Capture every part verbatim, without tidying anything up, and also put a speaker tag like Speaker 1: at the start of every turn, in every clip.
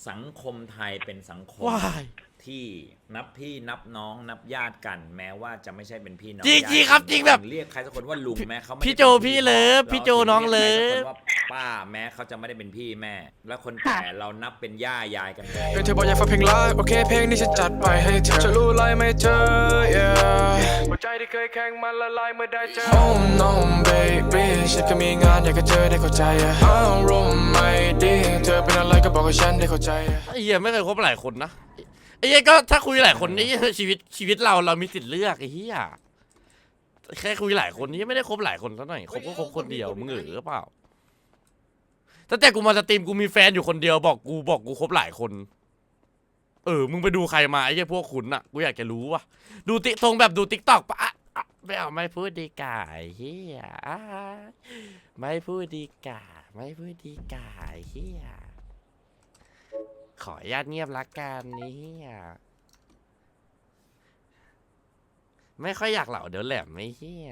Speaker 1: สังคมไทยเป็นสังคม
Speaker 2: ว้าย
Speaker 1: ที่นับพี่นับน้องนับญาติกัน แม้ว่าจะไม่ใช่เป็นพี่น้อง
Speaker 2: จริงจริงครับจริงแบบ
Speaker 1: เรียกใครสักคนว่าลุงแม้เขาไม่
Speaker 2: พี่
Speaker 1: ได้
Speaker 2: โจ
Speaker 1: เป็น
Speaker 2: พี่เลิฟพี่โจน้องเลิฟ
Speaker 1: ราถึงรียกใครสักคนว่าป้าแม้เขาจะไม่ได้เป็นพี่แม่ แล้วคนแก่เรานับเป็นย่ายายกันหมด
Speaker 3: เธอบอกอยากฟังเพลงไลฟ์โอเคเพลงนี้ฉันจัดไปให้เธอจะรู้ไรไม่เจอ yeah หัวใจที่เคยแข็งมันละลายเมื่อได้เจอ Oh no baby ฉันก็มีงานอยากจะเจอได้เข้าใจอารมณ์ไม่ดีเธอเป็นอะไรก็บอกกับฉันได้เข้าใจ
Speaker 2: ไอ้เหี้ยไม่เคยคบหลายคนนะไอ้เหี้ยก็ถ้าคุยหลายคนนี่ชีวิตชีวิตเราเรามีสิทธิ์เลือกไอ้เหี้ยแค่คุยหลายคนนี่ไม่ได้คบหลายคนซะหน่อยคบก็คบคนเดียวมึงเออเปล่าตั้งแต่กูมาสตรีมกูมีแฟนอยู่คนเดียวบอกกูบอกกูคบหลายคนเออมึงไปดูใครมาไอ้เหี้ยพวกคุณน่ะกูอยากจะรู้ว่ะดูติ๊กทรงแบบดูติ๊กต็อกปะไม่เอาไม่พูดดีกาไอ้เหี้ยไม่พูดดีกาไม่พูดดีกาไอ้เหี้ยขออนุญาตเงียบละกันนี่ไม่ค่อยอยากเหล่าเดี๋ยวแหลมไม่เฮีย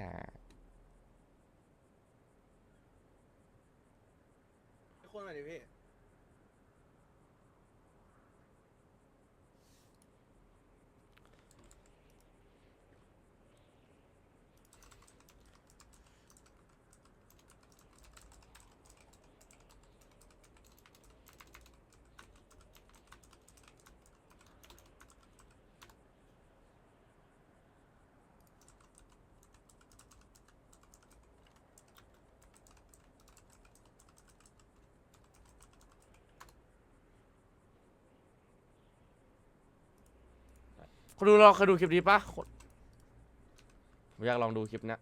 Speaker 2: คนมาดิพี่คุณดูลองเคยดูคลิปนี้ปะผมอยากลองดูคลิปนี้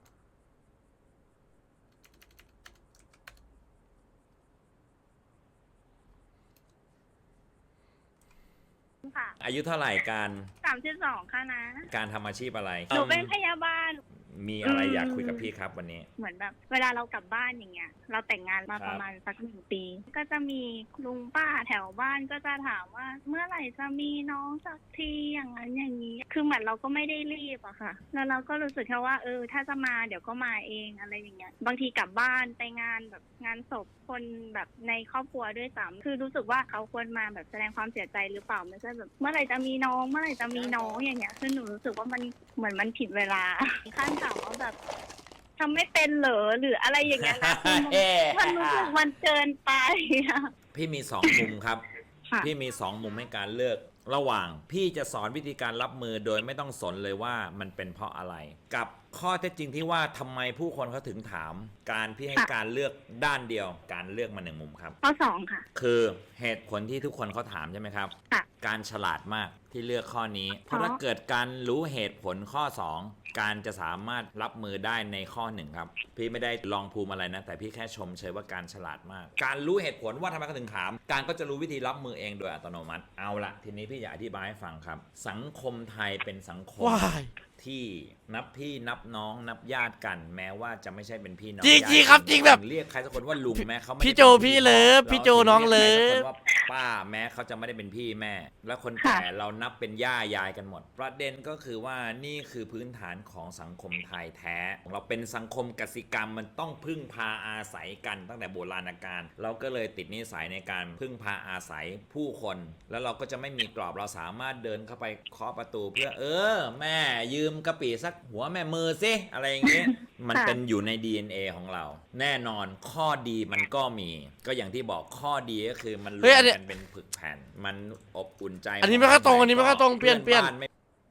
Speaker 4: ค่ะ
Speaker 1: อายุเท่าไหร่การ
Speaker 4: สามสิบสองค่ะนะ
Speaker 1: การทำอาชีพอะไร
Speaker 4: หนูเป็นพยาบาล
Speaker 1: มีอะไรอยากคุยกับพี่ครับวันนี้
Speaker 4: เหมือนแบบเวลาเรากลับบ้านอย่างเงี้ย เราแต่งงานมา
Speaker 1: ครับ
Speaker 4: ประมาณสักหนึ่งปี ก็จะมีลุงป้าแถวบ้านก็จะถามว่า เมื่อไหร่จะมีน้องสักทีอย่างนั้นอย่างนี้ คือเหมือนเราก็ไม่ได้รีบอะค่ะ แล้วเราก็รู้สึกแค่ว่าเออถ้าจะมาเดี๋ยวก็มาเองอะไรอย่างเงี้ย บางทีกลับบ้านไปงานแบบงานศพคนแบบในครอบครัวด้วยซ้ำคือรู้สึกว่าเขาควรมาแบบแสดงความเสียใจหรือเปล่าไม่ใช่แบบเมื่อไหร่จะมีน้องเมื่อไหร่จะมีน้องอย่างเงี้ยคือหนูรู้สึกว่ามันเหมือนมันผิดเวลาขั้นถามว่าแบบทำไม่เป็นเหรอหรืออะไรอย่างเงี้ยนะคือมันรู้สึกมันเกินไปอะ
Speaker 1: พี่มีสองมุมครับ
Speaker 4: ค่ะ
Speaker 1: พี่มีสองมุมให้การเลือกระหว่างพี่จะสอนวิธีการรับมือโดยไม่ต้องสนเลยว่ามันเป็นเพราะอะไร กับข้อเท็จจริงที่ว่าทำไมผู้คนเขาถึงถาม การพี่ให้การเลือกด้านเดียวการเลือกมาหนึ่งมุมครับ
Speaker 4: ข้อสองค่ะ
Speaker 1: คือเหตุผลที่ทุกคนเขาถามใช่ไหมครับ
Speaker 4: ค่ะ
Speaker 1: การฉลาดมากที่เลือกข้อนี้ เพราะ
Speaker 4: อ๋อ
Speaker 1: ถ้าเกิดการรู้เหตุผลข้อสองการจะสามารถรับมือได้ในข้อหนึ่งครับพี่ไม่ได้ลองภูมิอะไรนะแต่พี่แค่ชมเชยว่าการฉลาดมาก การรู้เหตุผลว่าทำไมเขาถึงถาม การก็จะรู้วิธีรับมือเองโดยอัตโนมัติเอาละทีนี้พี่อยากอธิบายให้ฟังครับ สังคมไทยเป็นสังคม
Speaker 2: ว้าย
Speaker 1: ที่นับพี่นับน้องนับญาติกัน แม้ว่าจะไม่ใช่เป็นพี่น้อง
Speaker 2: จริง
Speaker 1: ญาติ
Speaker 2: จริงครับจริงแบบ
Speaker 1: เรียกใครสักคนว่าลุงแม้เขาไม่ได้
Speaker 2: พี่โจ
Speaker 1: เป็น
Speaker 2: พี่เลิฟพี่โจน้องเลิฟ
Speaker 1: ราถึงรียกใครสักคนว่าป้าแม้เขาจะไม่ได้เป็นพี่แม่ และคนแก่เรานับเป็นย่ายายกันหมด ประเด็นก็คือว่านี่คือพื้นฐานของสังคมไทยแท้เราเป็นสังคมกสิกรรมมันต้องพึ่งพาอาศัยกันตั้งแต่โบราณกาลเราก็เลยติดนิสัยในการพึ่งพาอาศัยผู้คน แล้วเราก็จะไม่มีกรอบเราสามารถเดินเข้าไปเคาะประตูเพื่อเออ แม่ยืมกะปิสักหัวแม่มือสิอะไรอย่างเงี้ย มันเป็นอยู่ใน ดี เอ็น เอ ของเรา แน่นอนข้อดีมันก็มี ก็อย่างที่บอกข้อดีก็คือมันรว
Speaker 2: เฮ้ยอั
Speaker 1: ม
Speaker 2: นเนี้ย
Speaker 1: กันเป็นผึกแผ่น มันอบอุ่นใจ
Speaker 2: อันนี้ไม่ค่อยตรงอันนี้ไม่ค่อยตรงเปลี่ยนเปลี่ยน
Speaker 1: พื่อบ้าไม่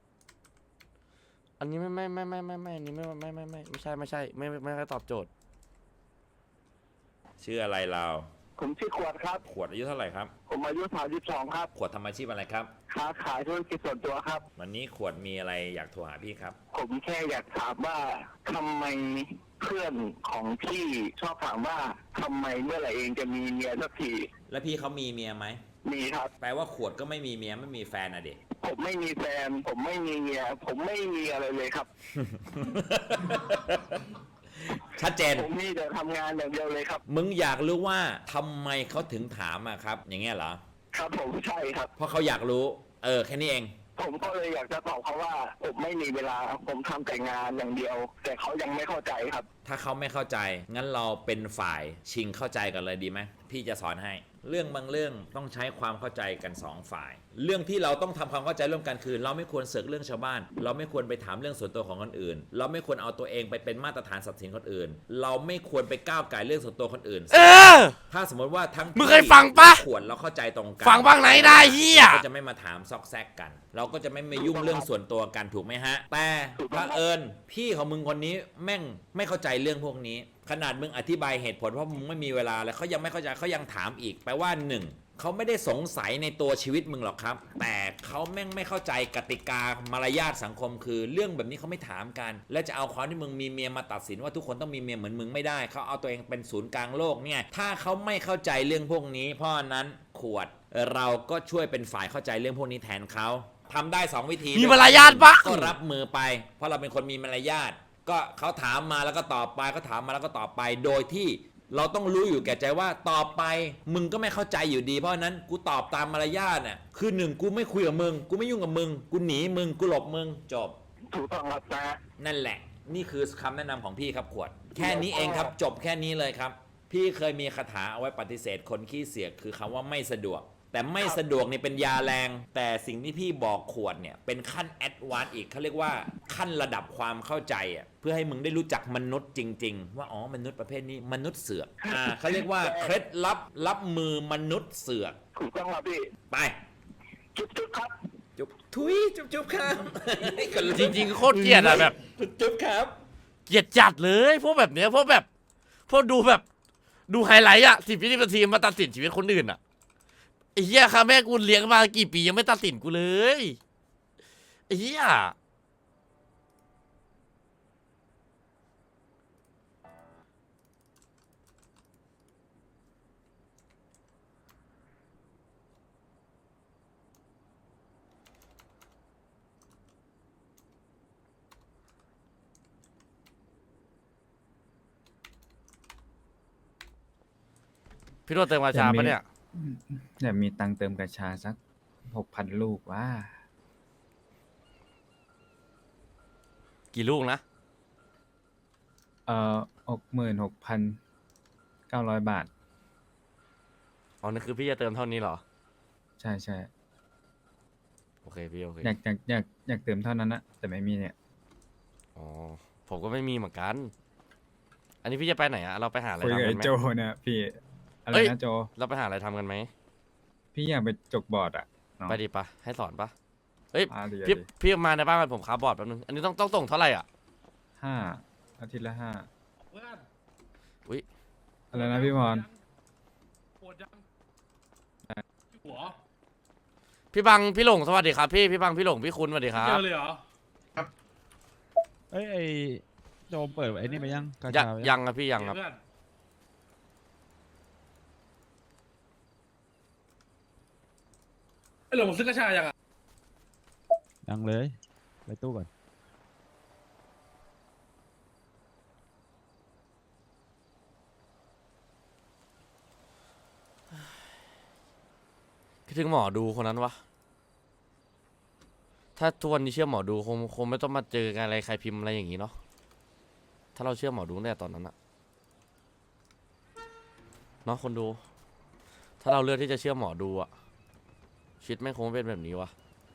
Speaker 2: อันนี้ไม่ไม่ไม่ไม่ไม่ไม่อันนี้ไม่ไม่ไม่ไม่ไม่ใช่ไม่ใช่ไม่ไม่ไม่ค่อยตอบโจทย์
Speaker 1: ชื่ออะไรเรา
Speaker 5: ผมชื่อขวดครับ
Speaker 1: ขวดอายุเท่าไหร่ครับ
Speaker 5: ผมอายุสามสิบสองครับ
Speaker 1: ขวดทำอาชีพอะไรครับ
Speaker 5: ค้าขายธุรกิจส่วนตัวครับ
Speaker 1: วันนี้ขวดมีอะไรอยากโทรหาพี่ครับ
Speaker 5: ผมแค่อยากถามว่าทำไมเพื่อนของพี่ชอบถามว่าทำไมเมื่อไหร่เองจะมีเมียสักที
Speaker 1: แล้วพี่เขามีเมียไหม
Speaker 5: มีครับ
Speaker 1: แปลว่าขวดก็ไม่มีเมียไม่มีแฟนอะเด็ก
Speaker 5: ผมไม่มีแฟน ผมไม่มีเมีย ผมไม่มีอะไรเลยครับ
Speaker 1: ชัดเจน
Speaker 5: ผมมีแต่ทำงานอย่างเดียวเลยครับ
Speaker 1: มึงอยากรู้ว่าทำไมเขาถึงถามอะครับ อย่างเงี้ยเหรอ
Speaker 5: ครับผมใช่ครับ
Speaker 1: เพราะเขาอยากรู้ เออแค่นี้เอง
Speaker 5: ผมก็เลยอยากจะตอบเขาว่า ผมไม่มีเวลา ผมทำแต่งานอย่างเดียว แต่เขายังไม่เข้าใจครับ
Speaker 1: ถ้าเขาไม่เข้าใจ งั้นเราเป็นฝ่ายชิงเข้าใจกันเลยดีไหมพี่จะสอนให้เรื่องบางเรื่องต้องใช้ความเข้าใจกันสองฝ่าย เรื่องที่เราต้องทำความเข้าใจร่วมกันคือเราไม่ควรเสือกเรื่องชาวบ้านเราไม่ควรไปถามเรื่องส่วนตัวของคนอื่นเราไม่ควรเอาตัวเองไปเป็นมาตรฐานทรัพย์สินคนอื่นเราไม่ควรไปก้าวไก่เรื่องส่วนตัวคนอื่น
Speaker 2: เออ
Speaker 1: ถ้าสมมติว่าทั้ง
Speaker 2: มึงเคยฟังปะ
Speaker 1: ขวดเราเข้าใจตรงกัน
Speaker 2: ฟังบ้างไหนได้เฮีย
Speaker 1: ก็จะไม่มาถามซอกแซกกัน เราก็จะไม่มายุ่งเรื่องส่วนตัวกันถูกไหมฮะ แต่พระเอิญพี่ของมึงคนนี้แม่งไม่เข้าใจเรื่องพวกนี้ ขนาดมึงอธิบายเหตุผลเพราะมึงไม่มีเวลาแล้วเขายังไม่เข้าใจเขายังถามอีกแปลว่าหนึ่งเขาไม่ได้สงสัยในตัวชีวิตมึงหรอกครับ แต่เขาแม่งไม่เข้าใจกติกามารยาทสังคมคือเรื่องแบบนี้เขาไม่ถามกัน และจะเอาความที่มึงมีเมียมาตัดสินว่าทุกคนต้องมีเมียเหมือนมึงไม่ได้เขาเอาตัวเองเป็นศูนย์กลางโลกเนี่ยถ้าเขาไม่เข้าใจเรื่องพวกนี้ เพราะนั้นขวดเราก็ช่วยเป็นฝ่ายเข้าใจเรื่องพวกนี้แทนเขาทำได้สองวิธี
Speaker 2: มีมารยาทปะ
Speaker 1: ก็รับมือไป เพราะเราเป็นคนมีมารยาทก็เขาถามมาแล้วก็ตอบไปเขาถามมาแล้วก็ตอบไปโดยที่เราต้องรู้อยู่แก่ใจว่าต่อไปมึงก็ไม่เข้าใจอยู่ดีเพราะนั้นกูตอบตามมารยาทน่ะคือหนึ่งกูไม่คุยกับมึงกูไม่ยุ่งกับมึงกูหนีมึงกูหลบมึงจบ
Speaker 5: ถูกต้องครับนะ
Speaker 1: นั่นแหละนี่คือคำแนะนำของพี่ครับขวด แค่นี้เองครับจบแค่นี้เลยครับพี่เคยมีคาถาเอาไว้ปฏิเสธคนขี้เสียกคือคำว่าไม่สะดวกแต่ไม่สะดวกนี่เป็นยาแรงแต่สิ่งที่พี่บอกขวดเนี่ยเป็นขั้นแอดวานซ์อีกเขาเรียกว่าขั้นระดับความเข้าใจอ่ะเพื่อให้มึงได้รู้จักมนุษย์จริงๆว่าอ๋อมนุษย์ประเภทนี้มนุษย์เสือกอ่าเขาเรียกว่าเคล็ดลับรับมือมนุษย์เสือก
Speaker 5: ถูกต้องครับพี่
Speaker 1: ไป
Speaker 5: จุ๊บจุ๊บครับ
Speaker 1: จุ๊บทุยจุ๊บจุ๊บครับ
Speaker 2: จริงๆโคตรเกลียดอะแบบ
Speaker 1: จุ๊บจุ๊บครับ
Speaker 2: เกลียดจัดเลยพวกแบบเนี้ยพวกแบบพวกดูแบบดูไฮไลท์อะสิบวินาทีมาตัดสินชีวิตคนอื่นอะไอ้เหี้ยค่ะแม่กูเลี้ยงมากี่ปียังไม่ตัดสินกูเลยไอ้เหี้ยพี่โรจน์เติมกาชาปะเนี่ย
Speaker 6: เดี๋ยวมีตังค์เติมกระชาสักหกพันลูกว่า
Speaker 2: กี่ลูกนะ
Speaker 6: เอ่อหกหมื่นหกพันเก้าร้อยบาท
Speaker 2: อ๋อนั่นคือพี่จะเติมเท่านี้เหรอ
Speaker 6: ใช่ใช่
Speaker 2: โอเคพี่โอเค
Speaker 6: อยากอยากอยากอยากเติมเท่านั้นนะแต่ไม่มีเนี่ย
Speaker 2: อ๋อผมก็ไม่มีเหมือนกัน อันนี้พี่จะไปไหนอะเราไปหาอะไร
Speaker 6: คุย
Speaker 2: ทำ
Speaker 6: กับ
Speaker 2: กั
Speaker 6: ไอ้
Speaker 2: นไหม
Speaker 6: โจเนี่ยพี่ อะไร
Speaker 2: เอ้ย
Speaker 6: นะโจ
Speaker 2: เราไปหาอะไรทำกันไหม
Speaker 6: พี่อยากไปจกบอร์ดอ่ะน้อง
Speaker 2: ไปดิปะให้สอนปะเฮ้ย
Speaker 6: อ่าดี
Speaker 2: พี่
Speaker 6: ดี
Speaker 2: พี่มาในบ้านกันผมคาบอร์ดแป๊บนึง อันนี้ต้องต้องส่งเท่าไหร่อ่ะ
Speaker 6: ห้าอาทิตย์ละห้า
Speaker 2: อุ๊ย
Speaker 6: อะไรนะพี่พร
Speaker 7: ปวดยังหัว
Speaker 2: พี่บังพี่หลงสวัสดีครับพี่พี่บังพี่หลงพี่คุณสวัสดีครั
Speaker 7: เจ
Speaker 2: บ
Speaker 7: อเลยเหรอ
Speaker 8: เอ้ยไอโจมเปิดไอ้นี่ไปยังกา
Speaker 2: ยัง
Speaker 8: ชาไป
Speaker 2: ยังครับพี่ยังครับ
Speaker 7: เพื่อน ไอ้หลงซื้อกระชายยังอ่ะ
Speaker 8: ยังเลยไปตู้ก่อน
Speaker 2: คิดถึงหมอดูคนนั้นวะถ้าทุกวันนี้เชื่อหมอดูคงคงไม่ต้องมาเจอกันอะไรใครพิมพ์อะไรอย่างงี้เนาะถ้าเราเชื่อหมอดูตั้งแต่ตอนนั้นอะเนาะคนดู ถ้าเราเลือกที่จะเชื่อหมอดูอะชีวิตไม่งคงไม่เป็นแบบนี้วะ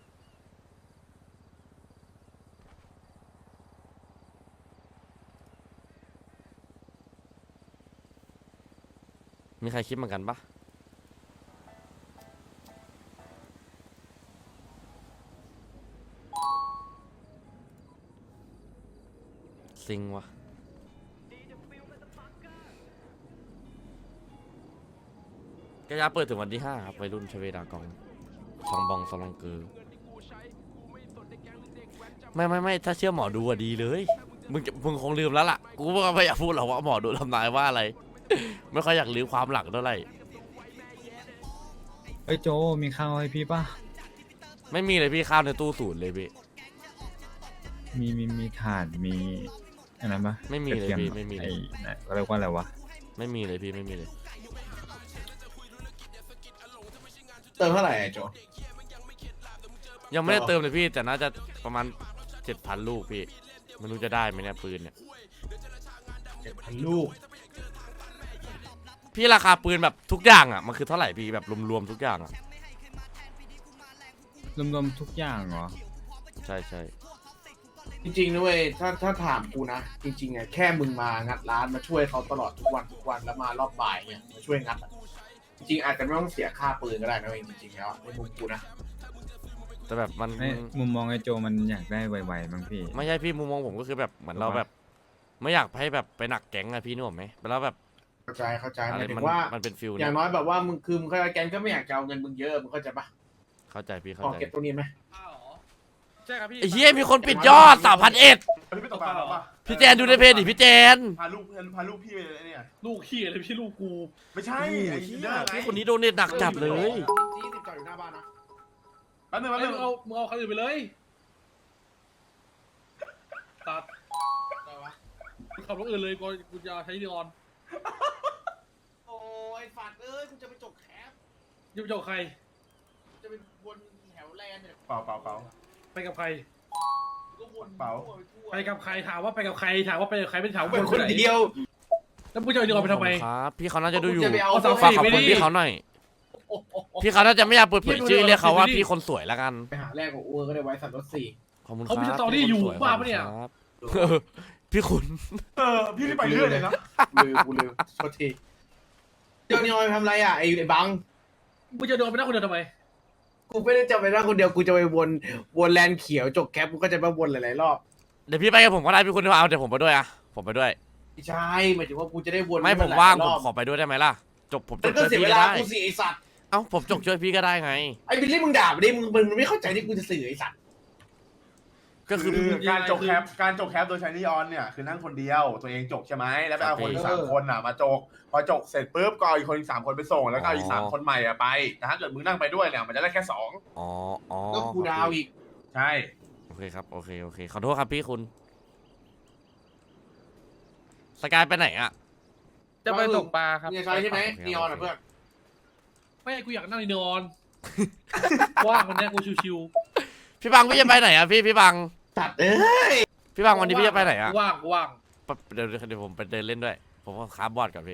Speaker 2: มีใครคิดเหมือนกันปะซิงวะกระยาเปิดถึงวันที่ห้าครับวัยรุ่นชเวดากองซองบองซองลองเกอร์ไม่ไม่ไม่ถ้าเชื่อหมอดูอะดีเลยมึงจะมึงคงลืมแล้วล่ะกูก็ไม่อยากพูดหรอกว่าหมอดูทำนายว่าอะไร ไม่ค่อยอยากลืมความหลังเท่าไหร่
Speaker 6: เอ้ยโจมีข้าวให้พี่ป่ะ
Speaker 2: ไม่มีเลยพี่ข้าวในตู้ศูนย์เลยพี่
Speaker 6: มีมีมีถ่านมีอันนั้นปะ
Speaker 2: ไม่มีเลย
Speaker 6: กระที
Speaker 2: พี่ไม่มีเลย
Speaker 6: ไอ้ไหนเขาเรียกว่าอะไรวะ
Speaker 2: ไม่มีเลยพี่ไม่มีเลย
Speaker 9: เติมเท่าไหร่โจ
Speaker 2: ยังไม่ได้เติมเลยพี่แต่น่าจะประมาณเจ็ดพันลูกพี่ไม่รู้จะได้ไหมเนี่ยปืนเนี่ย
Speaker 9: เจ็ดพันลูก
Speaker 2: พี่ราคาปืนแบบทุกอย่างอ่ะมันคือเท่าไหร่พี่แบบรวมๆทุกอย่างอ่ะ
Speaker 6: รวมๆทุกอย่างเหรอ
Speaker 2: ใช่ใช่
Speaker 9: จริงๆนะเว้ยถ้าถ้าถามกูนะ จริงๆอ่ะแค่มึงมางัดร้านมาช่วยเขาตลอดทุกวันทุกวันแล้วมารอบบ่ายเนี่ยมาช่วยงัดอะจริงๆอาจจะไม่ต้องเสียค่าปืนก็ได้นะเว้ยจริงๆแล้วในมุมกูนะ
Speaker 2: แต่แบบมัน
Speaker 6: ไอ้มุมมองไอ้โจมันอยากได้ไวๆบ้างพี่
Speaker 2: ไม่ใช่พี่มุมมองผมก็คือแบบเหมือนเราแบบ ไม่อยากให้แบบไปหนักแก๊งอะพี่นึกออกไหมแล้วแบบ
Speaker 9: เข้าใจเข้าใจห
Speaker 2: อะไร
Speaker 9: มายถึ
Speaker 2: มัน
Speaker 9: งว่า
Speaker 2: มันเป็นฟิล
Speaker 9: อ
Speaker 2: เนี่
Speaker 9: ย่าย งน้อยแบบว่ามึงคือมึงเข้าใจแกงก็ไม่อยากจะเอาเงินมึงเยอะมึงเข้าใจปะ
Speaker 2: เข้าใจพี่
Speaker 9: พ
Speaker 2: เข้า
Speaker 9: อ
Speaker 2: ใจ
Speaker 9: เก็บตรงนี้ไหม
Speaker 7: อ้าวเหรอใช่ครับพี่
Speaker 2: ไอ้เหี้ยมีคนปิดยอดสามพันเอ็ด
Speaker 10: พี่ไม่ตกปลาหรอปะ
Speaker 2: พี่แจนดูในเพจดิพี่แจน
Speaker 10: พาลูกเพื่อนพาลูกพี่ไปเลยเนี่ย
Speaker 7: ลูกขี้อะไรพี่ลูกกู
Speaker 10: ไม่ใช่ ไอ้เหี้ย
Speaker 2: พี่คนนี้โดนเน็ตหนักจัดเลย
Speaker 9: จี้สิบจอดอยู่หน้าบ้านนะ
Speaker 10: แป๊บนึงแป๊บ
Speaker 7: เอ้
Speaker 10: นึ
Speaker 7: ย
Speaker 10: ง
Speaker 7: มึงเอามึงเอาคันอื่นไปเลยตัด
Speaker 9: ได้วะ
Speaker 7: มึงขับรถอื่นเลยกูกูจะใช้นีออน
Speaker 9: โอ้ยฝัดเอ้ยกูจะไปจบแคป
Speaker 7: จะไปเจาะใคร
Speaker 9: จะไปวนแถวแลนด์เนี่ย
Speaker 10: เปล่าเปล่าเปล่า
Speaker 7: ไปกับใคร
Speaker 9: ก็วน
Speaker 10: เปล่า
Speaker 9: ทั่วทั่ว
Speaker 7: ไปกับใครถามว่าไปกับใครถามว่าไปกับใครไม่ถามว่า
Speaker 9: เป็น
Speaker 7: ค
Speaker 9: คน น
Speaker 7: ไหน
Speaker 9: เดียว
Speaker 7: แล้วมึงจะเอานีออนไปทำไม
Speaker 2: ครับพี่เขาน่าจะดูอยู่
Speaker 9: กูจะไปเอา
Speaker 7: เอาสาว
Speaker 2: ฝาก
Speaker 7: สี่
Speaker 2: ขอบ
Speaker 7: ไป
Speaker 2: คุณ
Speaker 7: ดิ
Speaker 2: พี่เขาหน่อย
Speaker 9: โอ้โห
Speaker 2: พี่เขาน่าจะไม่อยากเปิดเผยชื่อเรียกเขาว่า
Speaker 7: พี่ดู
Speaker 2: พี่คนสวยแล้วกัน
Speaker 9: ไปหาแรกของอ้วนก็ได้ไว้สัตว์รถสี่
Speaker 2: ขอบคุณค
Speaker 7: เขา
Speaker 2: รับ
Speaker 7: มีสตอรี่อยู่
Speaker 2: พี่คนสว
Speaker 7: บ้าปะเนี่ย
Speaker 2: ขอบคุณครับเออพี่คุณ
Speaker 10: เออ พี่ไม่ไปเรื่อยเลยนะ
Speaker 9: ลืมกูลืมโทษทีเจ้านี่ออยทำไรอ่ะไอ้ไอ้บัง
Speaker 7: มึงจะโดนไปนั่งคนเดียวทำไม
Speaker 9: กูไม่ได้จะไปนั่งคนเดียวกูจะไปวนวนแลนด์เขียวจกแคปกูก็จะมาวนหลายๆรอบ
Speaker 2: เดี๋ยวพี่ไปกับผมก็ได้พี่คุณเอาเดี๋ยวผมไปด้วยอะผมไปด้วย
Speaker 9: ไม่ใช่หมายถึงว่ากูจะได้วน
Speaker 2: ไม่
Speaker 9: ให้
Speaker 2: ผม
Speaker 9: นหลยๆ
Speaker 2: ว่าง
Speaker 9: ร
Speaker 2: ผม
Speaker 9: อบ
Speaker 2: ขอไปด้วยได้ไหมล่ะจบผมจ
Speaker 9: มั
Speaker 2: บ
Speaker 9: นก็
Speaker 2: ช่วย
Speaker 9: เสีย
Speaker 2: พี่
Speaker 9: เว
Speaker 2: ก็
Speaker 9: ลา
Speaker 2: ได้
Speaker 9: กูสิไอสัตว์
Speaker 2: เอ้าผมจบช่วยพี่ก็ได้ไง
Speaker 9: ไอ้บิลลี่มึงด่าไปดิมึงมึงไม่เข้าใจที่กูจะสื่อไอสัตว์
Speaker 2: ก็คือ
Speaker 10: คือ
Speaker 2: พี่
Speaker 10: การจกแคปการจกแคปโดยใช้นีออนเนี่ยคือนั่งคนเดียวตัวเองจกใช่ไหมแล้วไปเอาคนอีกสามคนอ่ะมาจกพอจกเสร็จปุ๊บก็เอาอีกคนอีกสามคนไปส่งแล้วก็เอาอีกสามคนใหม่อ่ะไปแต่ถ้าเกิดมึงนั่งไปด้วยเนี่ยมันจะได้แค่สอง
Speaker 2: อ๋ออ๋อ
Speaker 9: ก็กูดาวอีก
Speaker 10: ใช่
Speaker 2: โอเคครับโอเคโอเคขอโทษครับพี่คุณสกายไปไหนอะ
Speaker 9: จะไปตกปลาครับนี่ใช่ใช่ไหม
Speaker 2: โอเค
Speaker 9: นีออนอ่ะเพื่อน
Speaker 7: ไม่กูอยากนั่งในนีออน ว่างวันเนี้ยกูชิว
Speaker 2: พี่บังพี่จะไปไหนอะพี่พี่บัง
Speaker 9: สัตว์เอ้ย
Speaker 2: พี่บังวันนี้พี่จะไปไหนอะ
Speaker 7: ๆว่างกูว่าง
Speaker 2: ปะเดี๋ยวเดี๋ยวผมไปเดินเล่นด้วย ผมก็ค้าบอร์ดกับพี่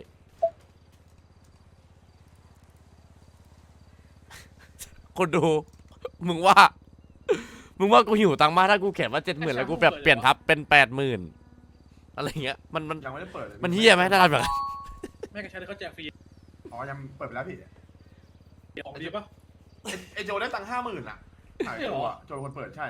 Speaker 2: คนดู มึงว่า มึงว่ากูหิวตังค์มากถ้ากูเขียนว่าเจ็ดหมื่นแล้วกูแบบเปลี่ยนทับเป็นแปดหมื่นอะไรเงี้ยมันมัน
Speaker 10: ยังไม่ได้เปิดเลย
Speaker 2: มันเฮี้ยไหมถ้าทำแบบนั้น
Speaker 7: แม่กระชายเขาแจกฟรี
Speaker 10: อ๋อยังเปิดไปแล้วพี่
Speaker 7: ของดีปะ
Speaker 10: ไอ้ไอโจได้ตังค์ห้าหมื่นอ่ะไอ้โจอ่ะโจเป็นคนเปิดใช่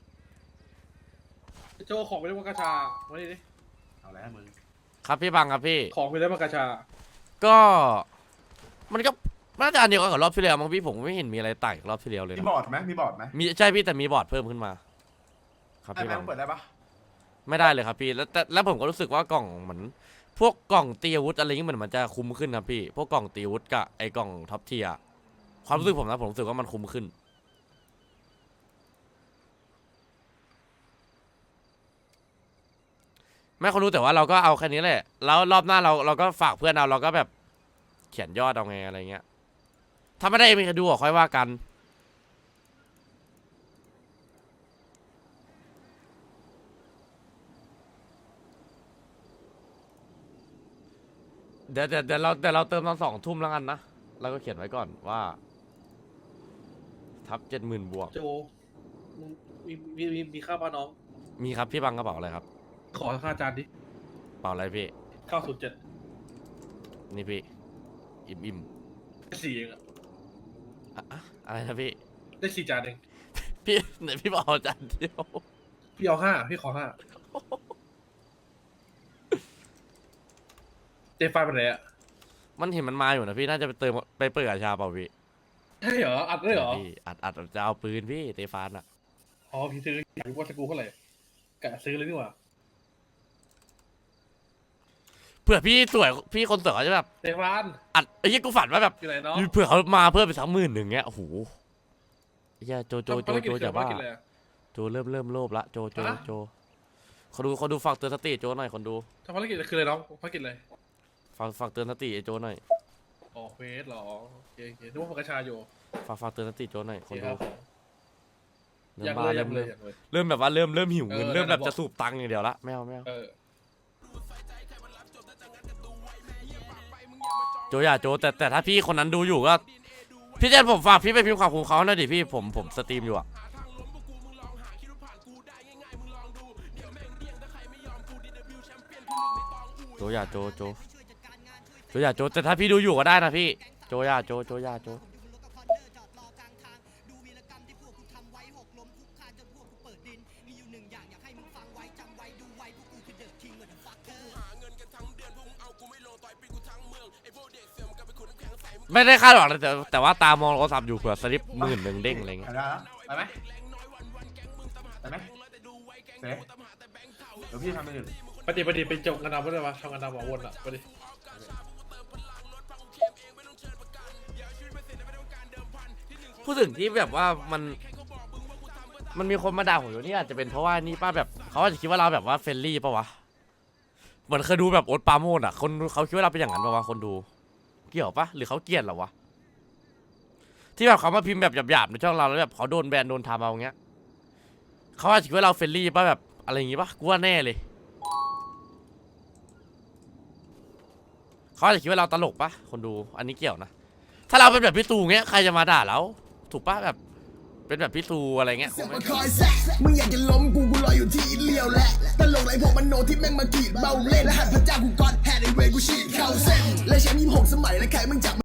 Speaker 7: โจของไปได้มากระชาวันนี้ดิ
Speaker 10: เอาแล้วมึง
Speaker 2: ครับพี่บังครับพี่
Speaker 7: ของไปได้มากระชา
Speaker 2: ก็ มันก็น่าจะอันเดียวกันกับรอบที่แล้วมั้งพี่ผมไม่เห็นมีอะไรต่างจากรอบที่แล้วเลย
Speaker 10: มี
Speaker 2: นะ
Speaker 10: บอร์ดไหมมีบอร์ดไหม
Speaker 2: มีใช่พี่แต่มีบอร์ดเพิ่มขึ้นมา ครับ
Speaker 10: ไอ้
Speaker 2: พี่
Speaker 10: แม่
Speaker 2: บัง
Speaker 10: งเปิดได้ปะ
Speaker 2: ไม่ได้เลยครับพี่แล้วแต่แล้วผมก็รู้สึกว่ากล่องเหมือนพวกกล่องตีอาวุธอะไรเงี้ยเหมือนมันจะคุ้มขึ้นครับพี่พวกกล่องตีอาวุธกับไอ้กล่องท็อปเทียร์ความรู้สึกผมนะผมรู้สึกว่ามันคุ้มขึ้นแม่คนรู้แต่ว่าเราก็เอาแค่นี้แหละแล้วรอบหน้าเราเราก็ฝากเพื่อนเอาเราก็แบบเขียนยอดเอาไงอะไรเงี้ยถ้าไม่ได้มีใครดูอ่ะค่อยว่ากันเดี๋ยวเดี๋ยวเดี๋ยวเราเดี๋ยวเราเติมตอนสองทุ่มแล้วกันนะเราก็เขียนไว้ก่อนว่า ทับเจ็ดหมื่นบวก
Speaker 7: โจมึงมีมีมีมีข้าวปลาน้อง
Speaker 2: มีครับพี่บังกระเป๋าอะไรครับ
Speaker 7: ขอค่าจานดิ
Speaker 2: กระเป๋าอะไรพี่
Speaker 7: เก้าศูนย์เจ็ด
Speaker 2: นี่พี่อิ่มอิ่ม
Speaker 7: ได้สี่เองอะ
Speaker 2: อะอะอะไรนะพี่
Speaker 7: ได้สี่จานเอง
Speaker 2: พี่ไหนพี่บอกเอาจานเดียว
Speaker 7: พี่เอาห้าพี่ขอห้าเจฟายไปไหนอะ
Speaker 2: มันเห็นมันมาอยู่นะพี่น่าจะไปเติมไปเปิดกาชาเปล่าพี่
Speaker 7: ใช่เหรออัดได้เหรอ
Speaker 2: พี่อัดอัดจะเอาปืนพี่เตฟานอะ
Speaker 7: อ๋อพี่ซื้ออยากรู้ว่าสกรูเท่าไหร่กะซื้อเลยดีกว่า
Speaker 2: เผื่อพี่สวยพี่คนสวยเขาจะแบบ
Speaker 7: เตฟาน
Speaker 2: อัดไอ้ยี่กูฝันว่าแบบ
Speaker 7: อยู่ไหนเนาะ
Speaker 2: เผื่อเขามาเพิ่มไปสักหมื่นหนึ่งเงี้ยโอ้โหไอ้เหี้ยโจโจโจโจจะบ้า
Speaker 7: ภรกิจอะไรอะ
Speaker 2: โจเริ่มเริ่มโลภละโจโจ
Speaker 7: ฮะ
Speaker 2: โจคนดูคนดูฝากเตือนสติโจหน่อยคนดู
Speaker 7: ทำภารกิจคืออะไรน้องภารกิจอะไร
Speaker 2: ฝากฝากเตือนสติไอ้โจหน่อย
Speaker 7: อ๋อเควสเหรอโอเคโอเคนึกว่าพกกระชาอยู่
Speaker 2: ฝากฝากเตือนสติโจหน่อย
Speaker 7: โอ
Speaker 2: ค
Speaker 7: เคน ค
Speaker 2: ดู
Speaker 7: รับ
Speaker 2: เริ่
Speaker 7: อยาม ก
Speaker 2: บ้า
Speaker 7: เลยอ
Speaker 2: เริ่
Speaker 7: ยาก
Speaker 2: ม
Speaker 7: เล
Speaker 2: เริ่
Speaker 7: ย
Speaker 2: ม
Speaker 7: อยากเลย
Speaker 2: เริ่มแบบว่าเริ่มเริ่มหิวเงิน
Speaker 7: เออ
Speaker 2: เริ่มแบบ
Speaker 7: นั่นแหละ
Speaker 2: จะสูบตังค์อย่างเดียวละไม่เอาไม่เอา
Speaker 7: เออ
Speaker 2: โจอย่าโจแต่แต่ถ้าพี่คนนั้นดูอยู่ก็พี่เจนผมฝากพี่ไปพิมพ์ขอบคุณเขาหน่อยดิพี่ผมผมสตรีมอยู่อะโจอย่าโจโจโจอย่าโจแต่ถ้าพี่ดูอยู่ก็ได้นะพี่โจอย่าโจโจอย่าโจไม่ได้คาดหวังเลยแต่แต่ว่าตามองโทรศัพท์อยู่เผื่อสลิปหมื่นหนึ่งเด้งอะไรเงี้ย
Speaker 10: ได้แล้วไปไหมไปไหมเสร็จเดี๋ยวพี่ทำไปหนึ่ง
Speaker 7: ไปดิไปดิไปจบกันดำก็ได้ปะทำกันดำหัววนอ่ะไปดิ
Speaker 2: พูดถึงที่แบบว่ามันมันมีคนมาด่าผมอยู่นี่อาจจะเป็นเพราะว่านี่ป้าแบบเขาอาจจะคิดว่าเราแบบว่าเฟรนลี่ป่ะวะเหมือนเคยดูแบบโอ๊ตปราโมชอ่ะคนเขาคิดว่าเราเป็นอย่างนั้นป่ะวะคนดูเกี่ยวปะหรือเขาเกลียดเราวะที่แบบเขามาพิมพ์แบบหยาบๆในช่องเราแล้วแบบเขาโดนแบนโดนทำเอาอย่างเงี้ยเขาอาจจะคิดว่าเราเฟรนลี่ป่ะแบบอะไรอย่างงี้ป่ะกูว่าแน่เลยเขาอาจจะคิดว่าเราตลกป่ะคนดูอันนี้เกี่ยวนะถ้าเราเป็นแบบพี่ตูเงี้ยใครจะมาด่าเราถูกป่ะแบบเป็นแบบพี่ตูอะไรเงี้ยคงไม่
Speaker 3: มึงอยากจะล้มกูกูรออยู่ที่อินเลียวแหละตลกไรพวกมันโนที่แม่งมากรีดเบาเล่นและหันพระเจ้ากูกอดแฮดไอเวกูฉีดเข้าเส้นและแชมป์ยี่สิบหกสมัยและใครมึงจับ